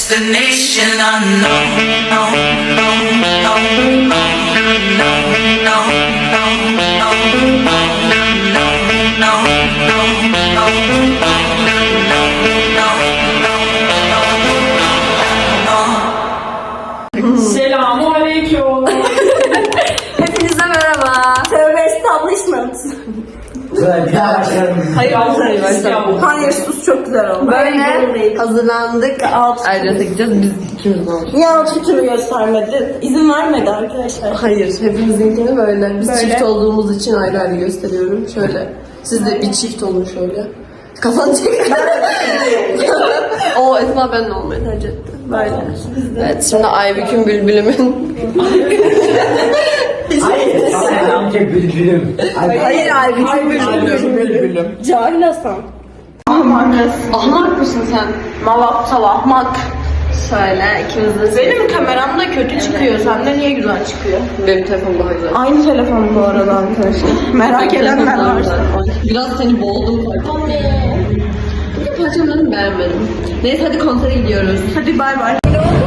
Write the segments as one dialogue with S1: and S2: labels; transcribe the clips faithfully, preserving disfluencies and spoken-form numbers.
S1: destination unknown. No, no, no, no, no, no, no, no, no, no, no.
S2: Selamünaleyküm.
S3: Hepinize merhaba.
S4: Tövbe establishment.
S5: Güzel, bir daha başlayalım.
S4: Hayır, hayır, hayır. Hayır, sus çok güzel oldu.
S3: Böyle hazırlandık. Ayrıca gideceğiz. Biz ikimiz olmuş.
S4: Niye outfit'imi göstermedi? İzin vermedi arkadaşlar.
S3: Hayır, hepimizinkini böyle. Biz
S4: Böyle.
S3: çift olduğumuz için ayrı ayrı gösteriyorum. Şöyle. Siz de bir çift olun şöyle. Kafan çek. O Esma benimle olmayı tercih etti. Böyle. Evet, şimdi Aybük'ün Bülbül'ümün.
S5: Hayır, sen çek bülbülüm.
S4: Hayır, hayır, hayır.
S5: Bülbülüm.
S4: Cahil Hasan.
S3: Ahmak mısın sen?
S4: Mavat salahmak.
S3: Şöyle ikimiz de.
S4: Benim kameram da kötü çıkıyor. Sende niye güzel çıkıyor?
S3: Benim telefonum daha güzel.
S4: Aynı telefon bu arada arkadaşlar. Merak edenler varsa.
S3: Biraz seni boğdum farkında. Bir parçalarını beğenmedim. Neyse hadi konsere gidiyoruz.
S4: Hadi bay bay.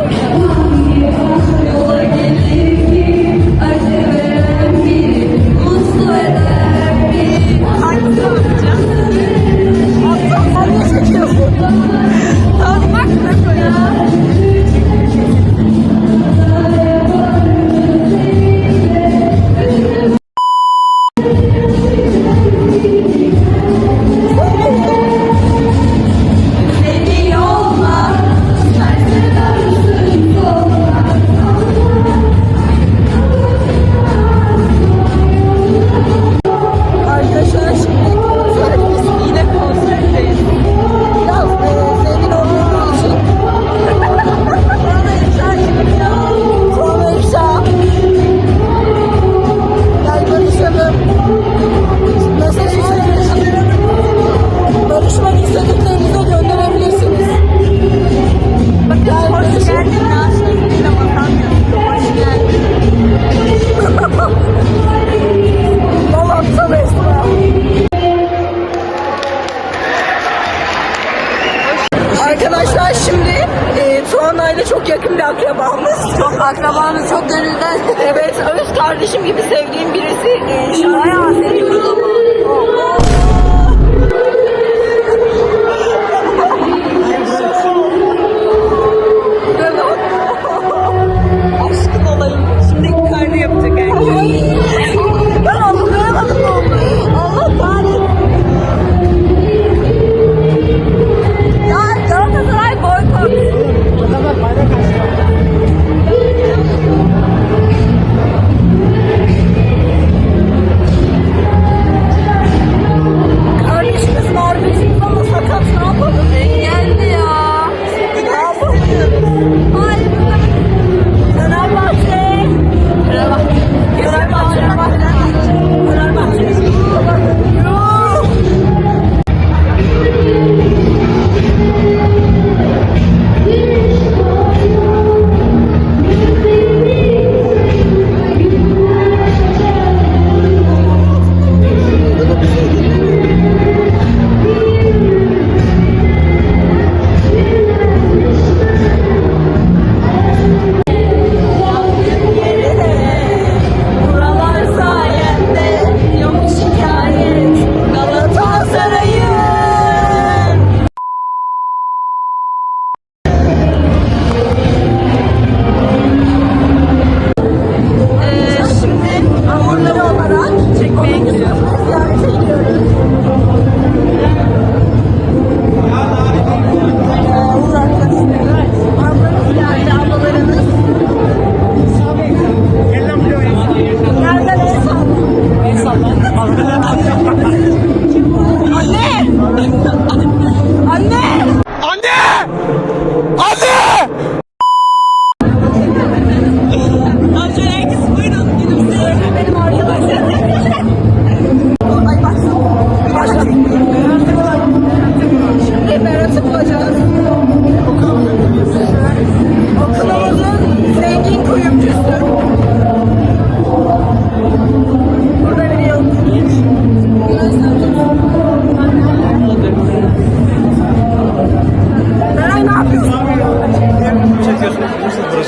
S4: Arkadaşlar şimdi konserdeyiz. Yine konserdeyiz. Biraz e, zengin olduğumuz için. Sonra ifşa çıkıyor. Sonra ifşa. Gel barışalım. Mesaj istedim. Barışmak istediklerinize gönderebilirsiniz. Bakın hoş geldin. Nasıl bakamıyorsun. Hoş geldin. Dolapta Esma. Arkadaşlar şimdi e, Tuana ile çok yakın bir akrabamız.
S3: Çok akrabanız çok gönülden.
S4: Evet, öz kardeşim gibi sevdiğim birisi. E, Bayağı seviyoruz ama. Aşkın olayım. Şimdi karnı yapacak erkek. Ben anlayamadım ne oldu. Allah kahretsin. Ya Galatasaray boykot.
S5: Adamlar bayrak açtı.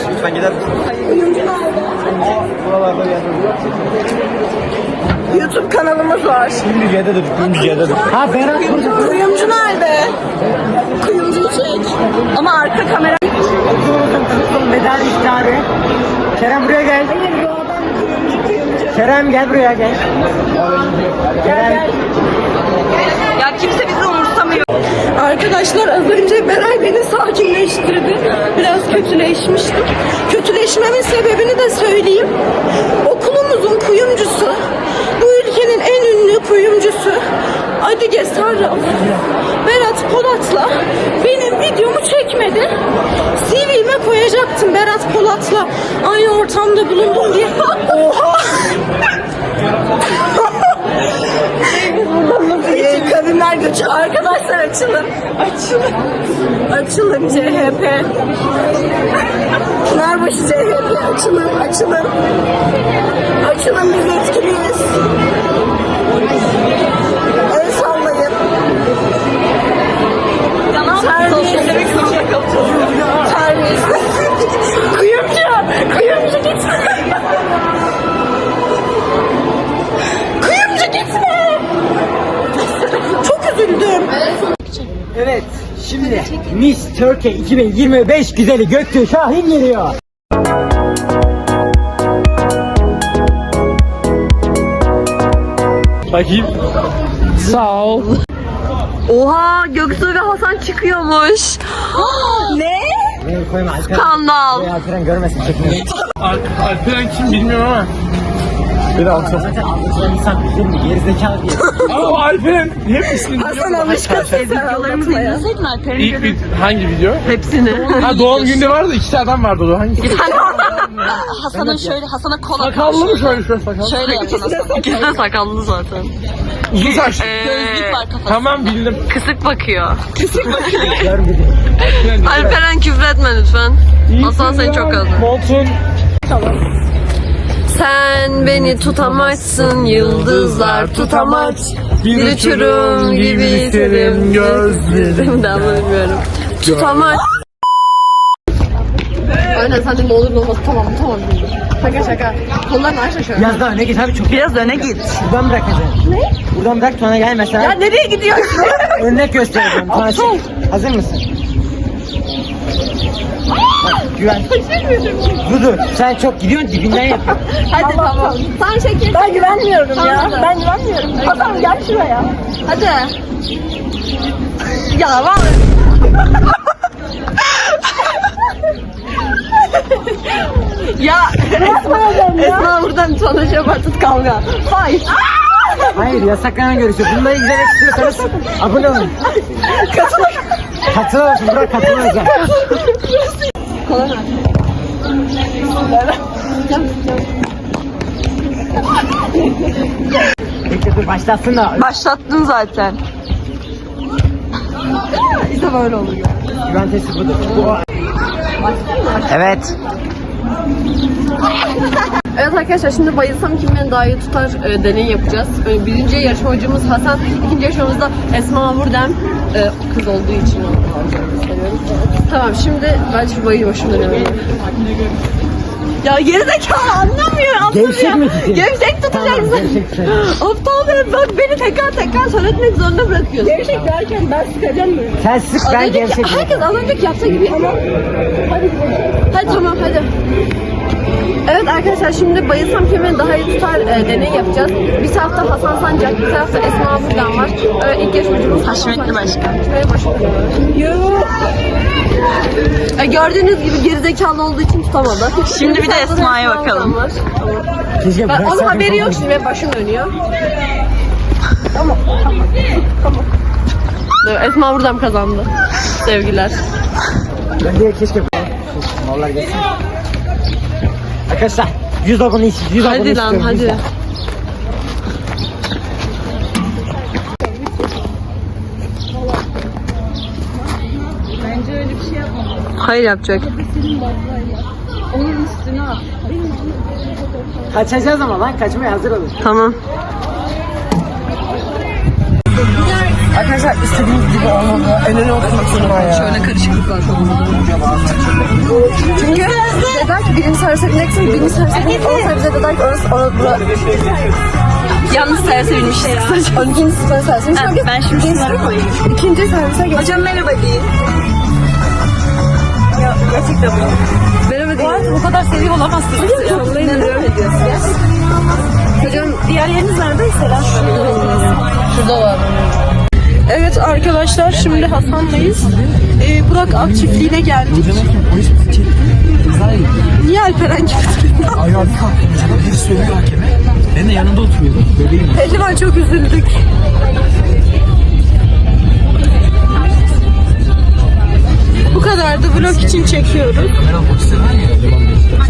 S2: Lütfen gider misin? Buralarda bir yerde.
S4: YouTube kanalımız var.
S2: Şimdi C'dedir, şimdi C'dedir. Ha Berat burada.
S4: Kuyumcu nerede? Kuyumcuyu çek. Ama arka kamera...
S5: Medal iftarı. Kerem buraya gel. Kerem gel buraya gel. Kerem.
S4: Ya kimse bizi umursamıyor. Arkadaşlar az önce Beray beni sakinleştirdi. Biraz kötüleşmiştim. Kötüleşmemin sebebini de söyleyeyim. Okulumuzun kuyumcusu, bu ülkenin en ünlü kuyumcusu Adige Sarraf, Berat Polat'la benim videomu çekmedi. C V'me koyacaktım Berat Polat'la aynı ortamda bulundum diye. Oha! Ee, kadınlar göçü. Arkadaşlar açılın. Açılın. Açılın C H P. Pınarbaşı C H P. Açılın. Açılın. Açılın, biz etkiliyiz. El sallayın. Terbiyesiz. Terbiyesiz. Kuyumcu. Kuyumcu gitme. Kuyumcu gitme. Çok üzüldüm.
S5: Evet, şimdi Miss Turkey iki bin yirmi beş güzeli Göktuğ Şahin geliyor.
S2: Bakayım.
S5: Sağ ol.
S3: Oha, Göksu ve Hasan çıkıyormuş.
S4: Ne?
S5: Beni koyma Alperen.
S3: Skandal.
S5: Buraya Alperen görmesin çekmeyi.
S2: Alperen kim bilmiyorum ama. Bir alçak.
S5: Zaten anlatılan insan bilir mi? Gerizekalı diye.
S2: Ama Alperen hep ismini
S4: Hasan alışkın.
S3: Videolarımızı izleseydin Alper'in
S2: İlk bir hangi video?
S3: hepsini.
S2: Ha doğum günde vardı, iki adam vardı o. Hangisi?
S3: Hasan'ın şöyle, Hasan'a kola
S2: Sakallı mı şöyle şöyle sakallı?
S3: Şöyle yapsana. İkisi de sakallı zaten.
S2: Uzun saçlı.
S3: Gözlük var kafasında.
S2: Tamam bildim.
S3: Kısık bakıyor.
S5: Görmedim.
S3: Alperen küfretme lütfen. Hasan seni çok özledim.
S2: Montun.
S3: Sen beni tutamazsın, yıldızlar tutamaz. Bir uçurum gibi senin gözlerim. Daha bilmiyorum. Tutamaz. Aynen, sen de ne olur ne olmaz. Tamam tamam. Şaka şaka. Kollarını aç şöyle.
S5: Biraz daha öne git abi çok.
S4: Biraz öne git.
S5: Buradan bırakacaksın. Ne? Buradan bırak sonra gel mesela.
S4: Ya nereye gidiyorsun?
S5: Örnek göstereceğim. Sonra çek. Hazır mısın? Bak, güven. Dur dur. Sen çok gidiyorsun dibinden yapıyorsun.
S4: Hadi tamam.
S3: Sen çekil.
S4: Ben güvenmiyorum ya.
S3: Tamam.
S4: Ben güvenmiyorum. Hasan gel şuraya.
S3: Hadi.
S4: Ya var. Ya Esma buradan sana şey yapar, tut kavga. Hayır.
S5: Hayır, yasaklanan görüşü. Bunları izlemek istiyorsanız abone olun. Katıl. Katıl olsun. Bırak katıl olacak.
S4: Kolay
S5: Bekle dur başlasın da.
S4: Başlattın zaten. İşte böyle oluyor.
S5: Güven testi budur. Bu... Evet.
S3: Evet arkadaşlar, şimdi bayılsam kim beni daha iyi tutar e, deney yapacağız. E, birinci yarışmacımız Hasan, ikinci yarışmamızda Esma Vurdem. E, kız olduğu için onu gösteriyorum. Tamam, şimdi ben şu bayı başımdan dönüyorum.
S4: Ya gerizekalı anlamıyor. anlamıyor.
S5: Gevşek mi tutayım?
S4: Gevşek tutacaksın.
S5: Tamam, gevşek tutayım.
S4: Aptal be, bak beni tekrar tekrar söyletmek zorunda bırakıyorsun. Gevşek derken ben sıkacağım böyle.
S5: Sen sık
S3: Az
S5: ben
S3: önceki-
S5: gevşek.
S3: Herkes az önceki yaptığı gibi. Tamam. Hadi. Hadi tamam hadi. Evet arkadaşlar, şimdi bayılsam kim beni daha iyi tutar e, deney yapacağız. Bir tarafta Hasan Sancak, bir tarafta Esma Vurdem var. Evet, ilk yarışmacımız Haşmetli Başkan. Ve başlıyor. E, gördüğünüz gibi gerizekalı olduğu için tutamadı.
S4: Şimdi bir de
S3: tarafta da
S4: Esma'ya
S3: Esma
S4: bakalım.
S3: Vurdem var.
S5: Keşke
S3: Ben, onun
S5: bıraksaydın
S3: haberi yok
S5: kafamı.
S3: şimdi, benim başım dönüyor. Tamam. Tamam. Evet, Esma Vurdem kazandı. Sevgiler.
S5: Ben de keşke mallar gelsin. Arkadaşlar yüz abone istiyorum. yüz abone
S3: Hadi lan
S5: istiyorum,
S3: hadi.
S5: lütfen.
S3: Hayır yapacak.
S5: Kaçacağız ama lan, kaçmaya hazır olun.
S3: Tamam.
S4: Arkadaşlar istediğiniz gibi olmadı. En öne oturmak zorunda ya.
S3: Şöyle karışıklık var. Çünkü dediler ki birinci servise bineceksin, birinci servise binip on servise dediler ki orası orası bura.
S4: Yanlış servise binmişiz.
S3: on ikinci servise binmiş.
S4: Ha, ben şimdi şunları koyayım.
S3: İkinci servise geç.
S4: Hocam merhaba deyin. Ya gerçekten bu.
S3: Merhaba
S4: Bu
S3: değil.
S4: arada bu kadar seviyor olamazsınız.
S3: Hocam çok merak ediyorsunuz. Hocam
S4: Diğer yeriniz nerede? Selam.
S3: şurada var.
S4: Evet arkadaşlar şimdi Hasan'layız. Ee, Burak Ak çiftliğine geldik. Niye Alperen gibi?
S5: Ayağı bir kalktı. Bir söylüyor hakeme. Ben de yanında oturuyordum. Bebeğim.
S4: Pehlivan çok üzüldük. Bu kadardı, vlog için çekiyoruz.
S5: Meral Boksel var ya. Devam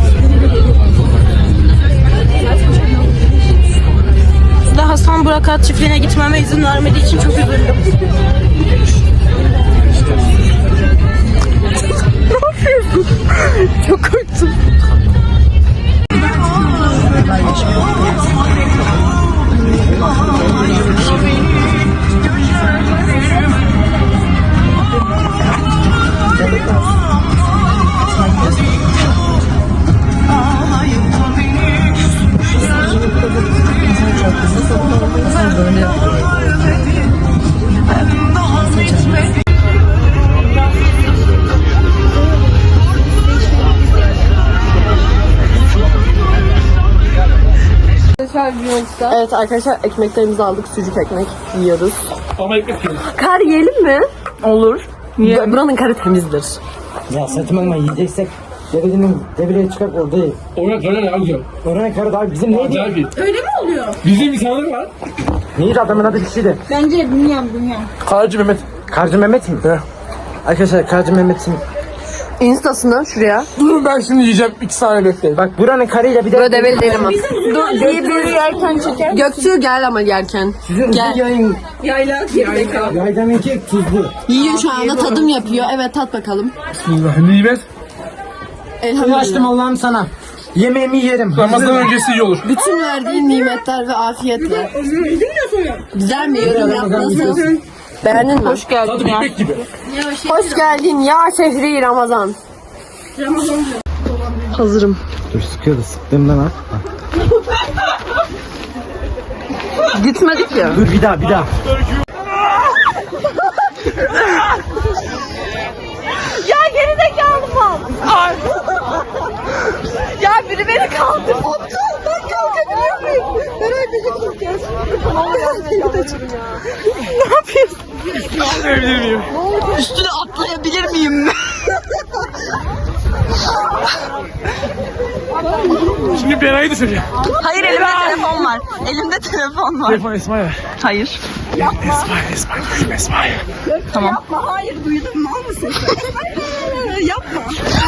S4: Da Hasan Burak Ak çiftliğine gitmeme izin vermediği için çok üzüldüm. Ne yapıyorsun? Çok korktum.
S3: Evet arkadaşlar ekmeklerimizi aldık. Sucuk ekmek yiyoruz.
S2: Ama ekmek yiyorum.
S3: Kar yiyelim mi?
S4: Olur.
S3: Bu- Buranın karı temizdir.
S5: Ya saçmalama yiyeceksek devenin devreye çıkar orada ye.
S2: Oraya döner ya güzel.
S5: Oranın karı daha bizim neydi?
S2: Acayip iyi.
S4: Öyle mi oluyor?
S2: Bizim bir sandık var.
S5: Neydi adamın adı bir şeydi.
S4: Bence bilmiyorum bilmiyorum.
S2: Karacı Mehmet.
S5: Karcı Mehmet mi?
S2: He.
S5: Arkadaşlar Karcı Mehmet'in
S3: Instasını şuraya.
S2: Dur ben şimdi yiyeceğim. İki saniye bekleyin.
S5: bak buranın karıyla bir de
S3: Böyle develi değilim ama.
S4: Dur diye bir yerken çeker.
S3: Göktuğ gel ama yerken.
S5: sizin
S3: Gel.
S5: yayın
S4: Yayla gerizekalı.
S5: yaydaminki tuzlu.
S3: Yiyor şu anda tadım yapıyor. Evet tat bakalım.
S2: Bismillah. Nimet.
S5: Bunu açtım Allah'ım sana. Yemeğimi yerim.
S2: Ramazan öncesi iyi olur.
S3: Bütün verdiğin nimetler ve afiyetle. Güzel mi? Yorum yap. Nasıl? Beğendin mi? Hoş geldin.
S2: Tadı bitmek gibi.
S3: Hoş geldin ya şehri Ramazan. Hazırım.
S5: Dur sıkıyordu sıktığımdan al.
S3: Gitmedik ya.
S5: Dur bir daha bir daha.
S4: Ya gerizekalı mal. Ya biri beni kaldır. Aptal ben kalkabiliyor muyum? Merak ediyorum. Ne yapıyorsun?
S2: Atlayabilir miyim?
S4: Üstüne atlayabilir miyim?
S2: Şimdi Beray'ı düşüreceğim.
S4: Hayır elimde telefon var. Elimde telefon var.
S2: Telefon Esma'ya ver.
S4: Hayır.
S2: Esma'ya, Esma'ya düşme Esma'ya.
S4: Tamam. Yapma hayır duydun mal mısın? Yapma.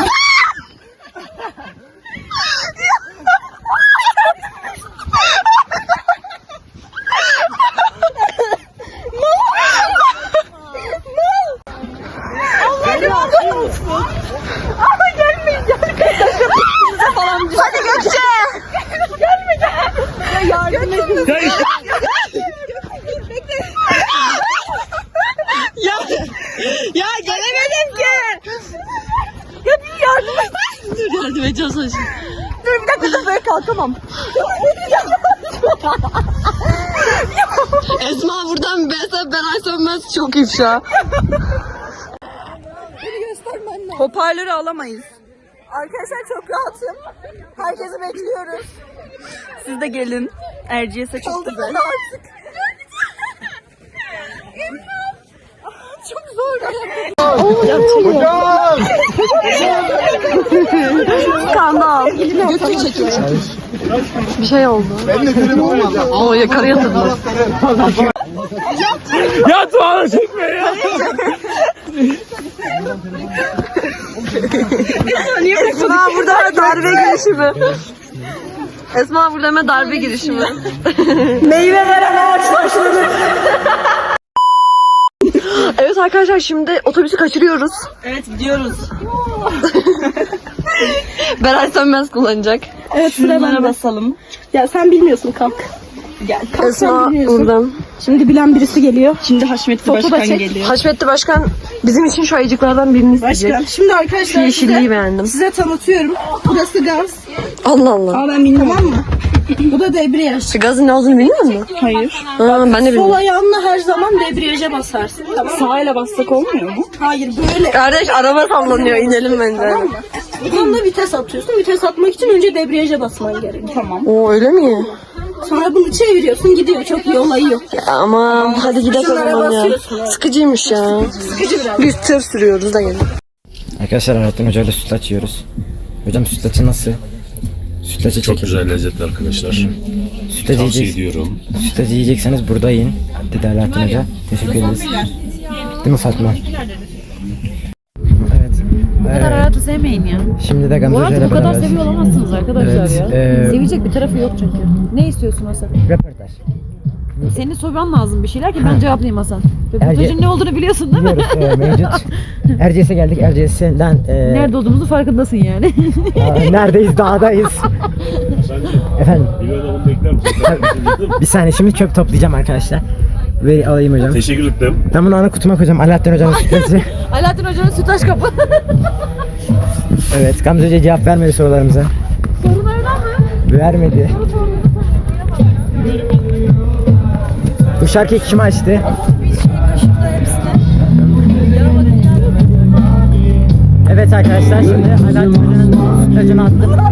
S4: Hadi Gökçe. Gelmeyeceğim. Ya yardım edin.
S2: Ya işte.
S4: Ya, ya gelemedim ki. Ya bir yardım et.
S3: Dur yardım edeceğiz şimdi.
S4: Dur bir dakika dur böyle kalkamam.
S3: Esma buradan Behzat Beray Sönmez çok ifşa.
S4: Hoparlörü alamayız. Arkadaşlar çok rahatım. Herkesi bekliyoruz. Siz de gelin. Erciyes'e çok güzel. Artık. Çok zor.
S5: Hocam!
S3: Skandal. Götür çekiyor. Bir şey oldu. Ben de dedim olmadı. Oo yakarı yatırdılar.
S2: Ya tuğanı çekme ya.
S3: Esma burada darbe girişimi. Esma burada hemen darbe girişimi.
S4: Meyve veren ağaç başladı.
S3: Evet arkadaşlar şimdi otobüsü kaçırıyoruz.
S4: Evet gidiyoruz.
S3: Beray Sönmez kullanacak.
S4: Evet şuralara basalım. Ya sen bilmiyorsun kalk. Gel. Kalk
S3: Esma
S4: sen biliyorsun.
S3: buradan.
S4: Şimdi bilen birisi geliyor. Şimdi Haşmetli
S3: Foto da
S4: Başkan
S3: çek.
S4: geliyor.
S3: Haşmetli Başkan Bizim için şu ayıcıklardan birini isteyecek.
S4: Başka. Şimdi arkadaşlar
S3: Şu yeşilliği
S4: size,
S3: beğendim.
S4: size tanıtıyorum. Burası gaz.
S3: Allah Allah.
S4: Aa ben bilmiyorum. Tamam mı? Bu da debriyaj.
S3: Şu gazın ne olduğunu biliyor musun?
S4: Hayır.
S3: Ha, ben de
S4: Sol
S3: bilmiyorum.
S4: ayağınla her zaman debriyaja basarsın. Tamam. Sağıyla bassak olmuyor mu? Hayır böyle.
S3: Kardeş araba sallanıyor, inelim bence.
S4: Tamam mı? Buradan da vites atıyorsun. Vites atmak için önce debriyaja basman gerekiyor. Tamam.
S3: Oo öyle mi?
S4: Sonra bunu çeviriyorsun gidiyor. Çok iyi olayı yok.
S3: Ya aman hadi gidelim o
S4: Şunlara
S3: zaman ya.
S4: basıyorsun, evet.
S3: Sıkıcıymış ya.
S4: Sıkıcı biraz.
S3: Biz tır sürüyoruz da gelin.
S5: Arkadaşlar Alaaddin Hoca ile sütlaç yiyoruz. Hocam sütlaçı nasıl? Sütlacı
S6: Çok
S5: çekin.
S6: güzel lezzetli arkadaşlar.
S5: Sütlacı
S6: Tavsiye
S5: yiyeceksiniz.
S6: ediyorum.
S5: Sütlacı yiyecekseniz burada yiyin. Dedi Alaaddin Hoca. Teşekkür ederiz. Değil mi Fatma? Evet.
S7: Bu kadar hayatı sevmeyin ya.
S5: Şimdi de Gamze
S7: Bu
S5: Hoca
S7: hayatı
S5: ile
S7: bu kadar
S5: beraberiz.
S7: seviyor olamazsınız arkadaşlar
S5: Evet,
S7: ya.
S5: e-
S7: Sevecek bir tarafı yok çünkü. Ne istiyorsun Hasan?
S5: Röportaj.
S7: Seni sorman lazım bir şeyler ki ben cevaplayayım Hasan.
S5: Erge-
S7: Röportajın ne olduğunu biliyorsun değil mi?
S5: Biliyoruz e, mevcut. Erciyes'e geldik. Erciyes'den e,
S7: Nerede olduğumuzu farkındasın yani.
S5: Aa, neredeyiz? Dağdayız. Efendim
S6: Bir adamı bekler misin?
S5: bir saniye şimdi çöp toplayacağım arkadaşlar. Veri alayım hocam.
S6: Teşekkür ederim.
S5: Ben bunu ana kutuma koyacağım. Alaaddin Hoca'nın sütlacı.
S7: Alaaddin Hoca'nın sütaş kapı.
S5: Evet Gamze Hoca cevap vermedi sorularımıza.
S7: Sorularına mı?
S5: Vermedi. Bu şarkıyı kim açtı? Evet arkadaşlar şimdi Alaaddin Hoca'nın sütlacını attım. Gidiyorum.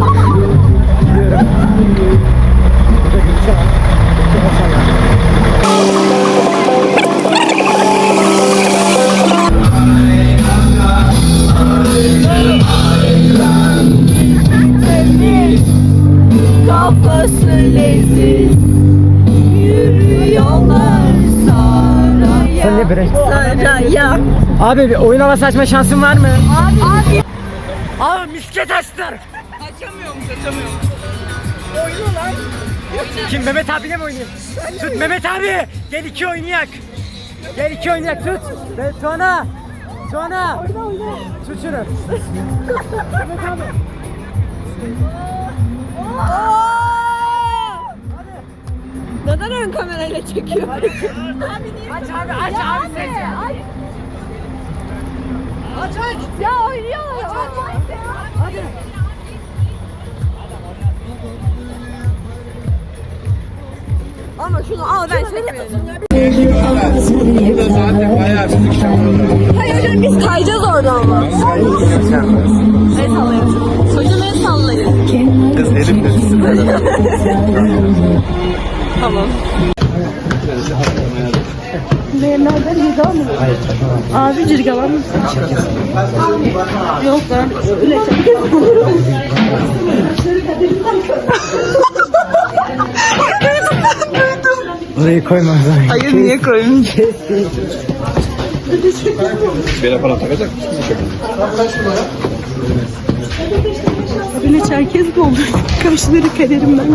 S5: Burada bir şey var. Bir şey var.
S4: Kafası leziz. Yürüyorlar saraya.
S5: Sen ne bre?
S4: Saraya.
S5: Abi bir oyun havası açma şansın var mı? Abi. Abi. Abi misket açtılar. Açamıyorum, açamıyorum. Oyunu lan. Kim Mehmet abiyle mi oynayayım? Tut Mehmet abi. Gel iki oynayak. Gel iki oynayak tut. Ve Tuana. Tuana. Tut şunu. Mehmet abi.
S3: Neden ön kamerayla çekiyor?
S5: Aç abi aç abi sesi. Aç aç.
S3: Ya oynuyor.
S5: Hadi.
S3: Ama şunu al ben çekmiyorum. Hayır hocam biz kayacağız orada ama. El sallayın. Hocam el sallayın.
S6: Kız elimle
S3: Tamam.
S4: Abi cirgalar mısın? Yok ben öyle
S5: Orayı koymam lazım.
S4: Hayır niye koyayım?
S6: bir aparat takacak.
S4: Öyle Çerkez mi olur? Kaşları kaderim ben.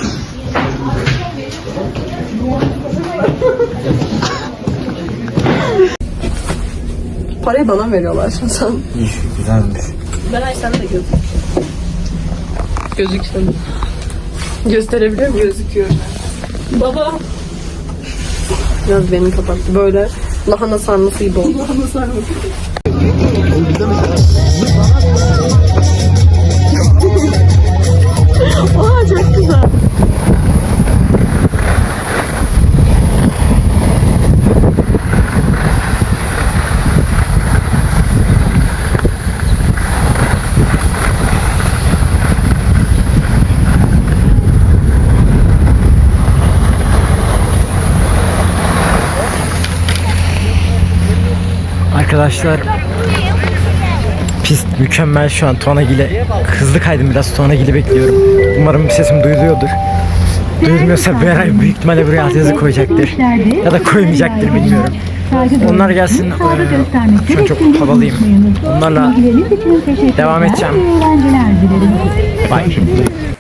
S3: Parayı bana veriyorlar şimdi sen.
S5: Güzelmiş.
S3: Beray sen de gözük. Gözüksün. Gösterebiliyor muyum? Gözüküyor. Baba. Biraz beni kapattı. Böyle lahana sarması gibi oldu. Lahana sarması. Aa çok güzel.
S5: Arkadaşlar pist mükemmel şu an Tuanagil'e hızlı kaydım biraz Tuanagil'i bekliyorum. Umarım sesim duyuluyordur. Duyulmuyorsa Beray büyük ihtimalle buraya altyazı koyacaktır. Ya da koymayacaktır bilmiyorum. Onlar gelsin. Ee, şu an çok havalıyım. Onlarla devam edeceğim. Bye.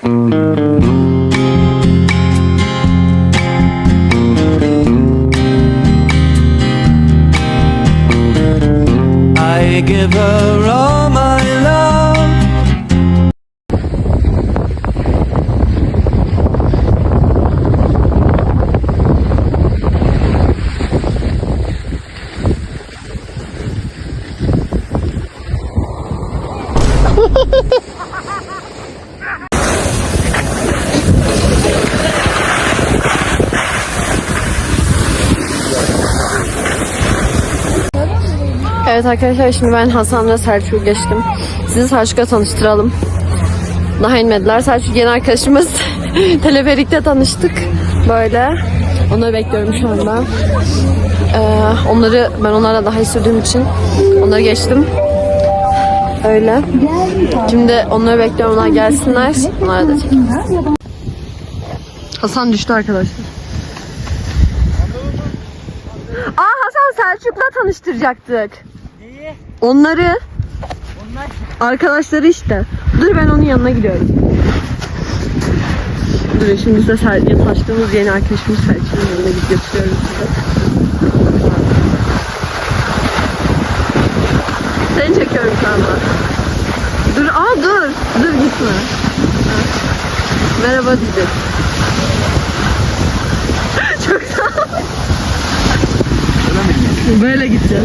S1: I give her all my love.
S3: Evet arkadaşlar, şimdi ben Hasan ve Selçuk'u geçtim. Sizi Selçuk'la tanıştıralım. Daha inmediler. Selçuk yeni arkadaşımız. Teleferikte tanıştık. Böyle. Onları bekliyorum şu anda. Ee, onları ben onlarla daha iyi sürdüğüm için onları geçtim. Öyle. Şimdi onları bekliyorum. Onlar gelsinler. Onlara da çekeyim. Hasan düştü arkadaşlar. Aa, Hasan Selçuk'la tanıştıracaktık.
S5: Neyi?
S3: Onları.
S5: Onlar
S3: Arkadaşları işte. Dur, ben onun yanına gidiyorum. Dur, şimdi size Selçuk'la tanıştığımız yeni arkadaşımız Selçuk'un yanına gidip götürüyorum size. Seni çekiyorum şu anda. Dur, aa dur. Dur, gitme. Merhaba diyecek. Çok sağ ol. Böyle gideceğiz.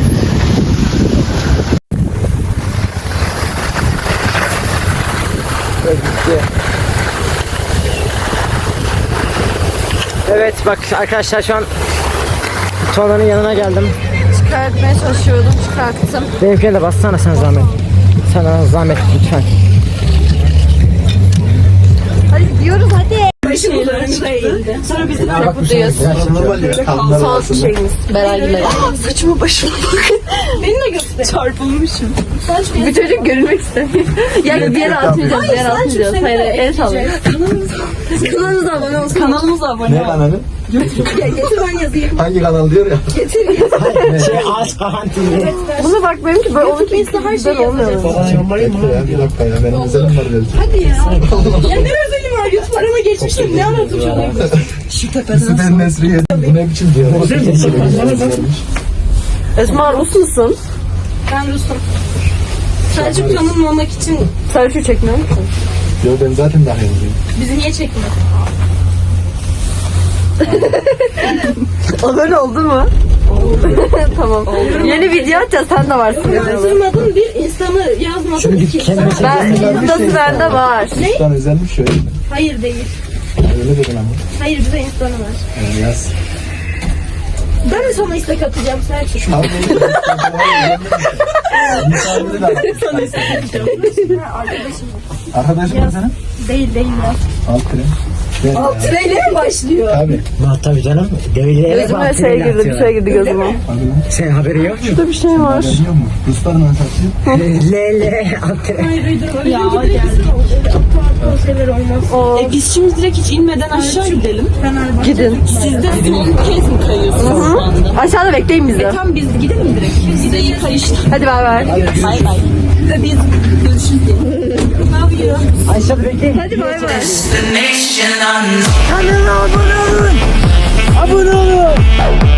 S5: Evet bak arkadaşlar, şu an Tuana'nın yanına geldim.
S3: Çıkartmaya çalışıyordum, çıkarttım.
S5: Benimkine de bassana sen zahmet. Sana zahmet lütfen.
S3: Hadi gidiyoruz, hadi. Sonra bizim çok mutluyuz. Son şeyimiz Beray'la. Saçımı başıma bakın. Beni de göster. Çarpılmışım. Bu çocuk görünmek istemiyor. Ya bir yere atmayacağız, bir yere atmayacağız. Hayır, el sallayın. Kanalımıza abone olsun. Kanalımıza abone
S6: Ne kanalı?
S3: Ya getir, ben yazayım.
S6: Hangi kanal diyor ya?
S5: Şey ağaç kahantili.
S3: Buna bak, benimki böyle onunki güzel olmuyor.
S6: Ya bir dakika ya, benim özelim var dedi.
S4: Ya ne özelim var? Yüz paramı geçmiştim. Ne anlatacağım? Şu tepeden.
S6: Ben Nesri yedim. Bu ne biçim diyor?
S3: Esma, Rus musun?
S4: Ben Rus'um. Selçuk tanınmamak için
S3: Selçuk'u çekmiyor musun?
S6: Yok, ben zaten daha iyiyim.
S4: bizi niye çekmiyor?
S3: Abone oldun mu? Oldu. Tamam. Yeni video atacağız, sen de varsın.
S4: Tanımadığım bir insanı yazmadım ki.
S3: Ben, Insta'sı bende var.
S6: Üstten özelmiş şöyle.
S4: Hayır değil.
S6: Öyle dedin ama.
S4: Hayır, bize insanı var.
S6: Yani yaz.
S4: Ben de sana istek atacağım Selçuk.
S6: Abi misafiri de atmış. Arkadaşım mı senin?
S4: Değil değil ya.
S6: Alt krem. Ben ya.
S4: Treyle mi başlıyor?
S6: Tabii.
S5: Bak tabii canım. Devreye
S3: Gözüme şey girdi, bir şey girdi gözüme.
S6: Hadi lan.
S5: Senin haberi yok mu?
S3: Burada bir şey var.
S6: Biliyor musun? Ruslar nasıl satıyor?
S5: Lele antren.
S4: Hayır uydurma. Ya geldi. O şeyler olmaz.
S7: E biz şimdi direkt hiç inmeden aşağı gidelim.
S3: Gidin.
S7: Siz de son kez mi kayıyorsunuz şu anda?
S3: Aşağıda bekleyin bizi.
S7: Tam biz gidelim mi direkt? Size iyi kayışlar.
S3: Hadi bay bay.
S7: Bay bay. Ve biz görüşürüz diye. Ne yapıyor?
S5: Ayşe bekleyin.
S3: Hadi bay bay.
S5: Kanala abone olun. Abone olun.